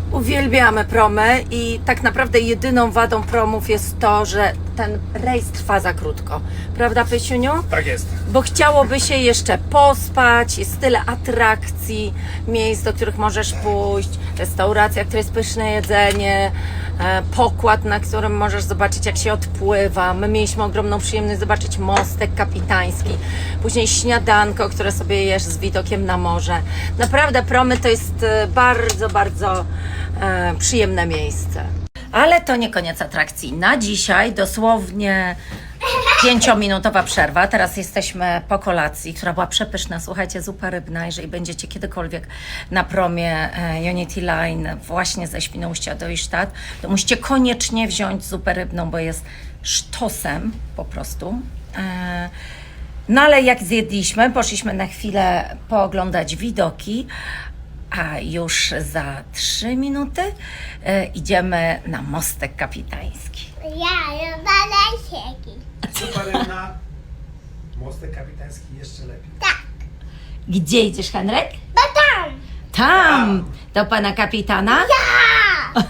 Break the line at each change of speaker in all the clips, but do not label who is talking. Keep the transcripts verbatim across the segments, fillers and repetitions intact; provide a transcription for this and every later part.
Uwielbiamy promy i tak naprawdę jedyną wadą promów jest to, że ten rejs trwa za krótko. Prawda, Pysiuniu?
Tak jest.
Bo chciałoby się jeszcze pospać, jest tyle atrakcji, miejsc, do których możesz pójść, restauracja, która jest pyszne jedzenie, e, pokład, na którym możesz zobaczyć, jak się odpływa. My mieliśmy ogromną przyjemność zobaczyć mostek kapitański, później śniadanko, które sobie jesz z widokiem na morze. Naprawdę promy to jest e, bardzo, bardzo e, przyjemne miejsce. Ale to nie koniec atrakcji. Na dzisiaj dosłownie pięciominutowa przerwa. Teraz jesteśmy po kolacji, która była przepyszna. Słuchajcie, zupa rybna. Jeżeli będziecie kiedykolwiek na promie e, Unity Line właśnie ze Świnoujścia do Isztat, to musicie koniecznie wziąć zupę rybną, bo jest sztosem po prostu. E, no ale jak zjedliśmy, poszliśmy na chwilę pooglądać widoki, a już za trzy minuty e, idziemy na mostek kapitański.
Ja lubię sieki.
Zupa rybna, mostek kapitański jeszcze lepiej.
Tak,
Gdzie idziesz, Henryk?
bo tam.
Tam! Do pana kapitana?
Ja.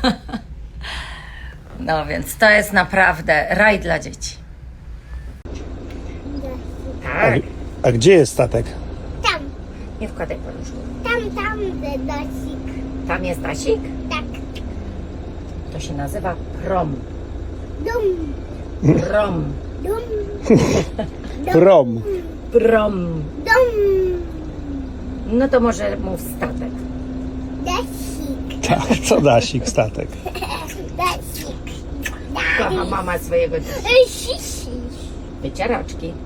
No więc to jest naprawdę raj dla dzieci. Tak.
A gdzie jest statek?
Tam,
Nie wkładaj paluszku.
tam, tam, dedosik.
Tam jest Asik?
Tak,
To się nazywa prom.
dum,
Prom.
dum,
Prom.
Prom.
dum,
No to może mów statek.
desik,
Tak, co dasik statek.
desik.
Kocha mama swojego
Ej, sisi.
wycieraczki.